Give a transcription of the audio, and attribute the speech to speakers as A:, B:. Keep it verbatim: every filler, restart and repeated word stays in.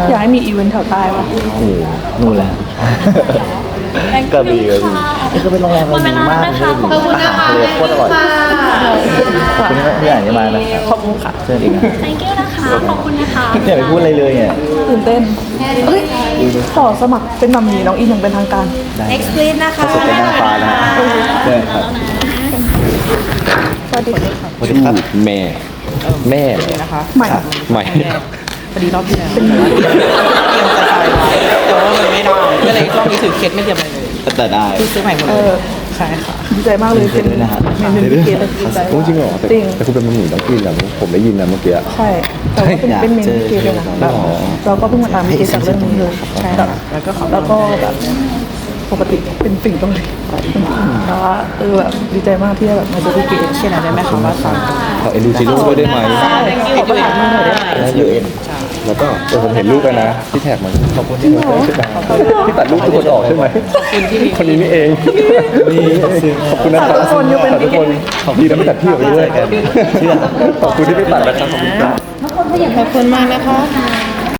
A: อยากให้มีอีเวนต์แถวใต้ป่ะ
B: โอ้โหนู่นแหละกระบี่กระบี่นี่ก็เป็นโรงแรมดีมากเลยอาหารทะเลโคตรอร่อยขอบคุณที่อ่านมานะครับ
A: ขอบคุณค่ะ
B: เชิญอีกนะ
C: thank you นะคะ ขอบคุณนะคะ
B: อย่าไปพูดอะไรเลยเนี่ย
A: ตื่นเต้นเฮ้ยขอสมัครเป็นมัมมี่น้องอินอย่างเป็นทางการ
C: next please นะคะ
B: เขาสุดเป็นนางฟ้านะเชิญครับ
A: สวัสดีค่ะ
B: สวัสดีครับแม่แม่เลย
D: นะคะ
A: ใหม่
B: ใหม่
D: พอดีรอบที่แล้วแต่ว่าเตรียมจะตายไว้แต่ว่ามันไม่ได้ก็เลยรอบนี้ถือเคสไม่เตรียมอะไรเลย
B: แต่ได้
D: คือซื้อใหม่หมด
A: เอ
D: เลย
A: อ
D: ใช่ค่ะ
A: ดีใจมากเลยเป็น
B: ด้วยนะฮะ
A: เมนูพิเศษเลยดีใจ
E: จริงเหรอแต่
A: จริง
E: แต่คุณเป็นมัมหมี่ต้องกินนะผมได้ยินนะเมื่อกี้
A: ใช่แต่ว่าเป็น
B: อยาก
A: เป็นเมนู
B: เจอ
A: พิเศษเลยนะ
B: เจอ
A: แบบเราก็เพิ่งมาตามพิเศษจากเรื่องนี้เลยใช่แบบ
D: แล้วก็ขอ
A: แล้วก็แบบปกติเป็นสิ่งต้องเลยแต่ว่าเออแบบดีใจมากที่ได้แบบมาเจอพี่เกด
D: เช่นอะไรได้ไหมคะว่าสั่ง
E: ขอเอ็นดูจิโร่ด้วยได้ไหม
A: ใช่ขอประทานมาหน่อยได้ไหม
E: ได้ยูเอ็นแล้วก็เออผมเห็นรูปแล้วนะที่แท็กมันขอบคุณที่ที่ตัดรูปทุกคนออกใช่ไหมคนนี้นี่เองนี่ขอบคุณนะครับ
A: ทุกคนยกเป็น
E: ทุกคนขอบคุณที่ไม่ตัดพี่ออกไปด้วย
B: เชื่อ
E: ขอบคุณที่ไม่ตัดนะครับขอบคุณครับ
D: ขอบคุณมากนะคะ